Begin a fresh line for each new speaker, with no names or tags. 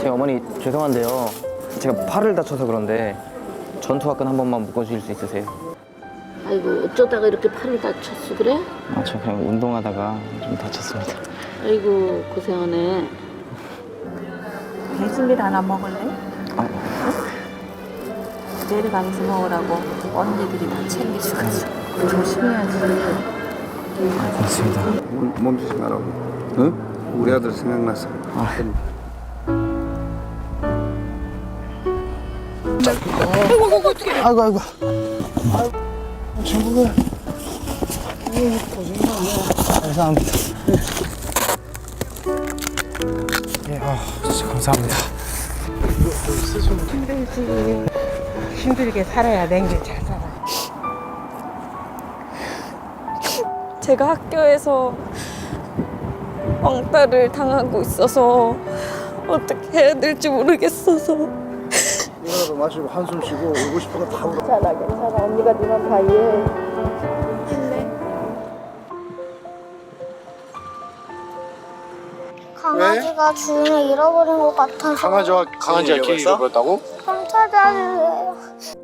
어머니 죄송한데요. 제가 팔을 다쳐서 그런데 전투화끈 한 번만 묶어주실 수 있으세요?
아이고 어쩌다가 이렇게 팔을 다쳤어 그래?
아, 저 그냥 운동하다가 좀 다쳤습니다.
아이고 고생하네.
배즙밀 하나 먹을래?
아,
내려가면서 먹으라고 언니들이 다 챙겨줘가지고 조심해야지.
고맙습니다.
멈추지 말라고. 응? 우리 아들 생각나서.
아이고, 아이고.
친구가
감사합니다. 예, 진짜 감사합니다.
힘들지. 힘들게 살아야 냉길 잘 살아.
제가 학교에서 왕따를 당하고 있어서 어떻게 해야 될지 모르겠어서.
이거라도 마시고 한숨 쉬고 오고 싶은 거 다 울어.
괜찮아. 언니가 네맘 다 이해해.
강아지가 주인을 잃어버린 것 같아서
강아지가 길 잃어버렸다고?
좀 찾아주세요.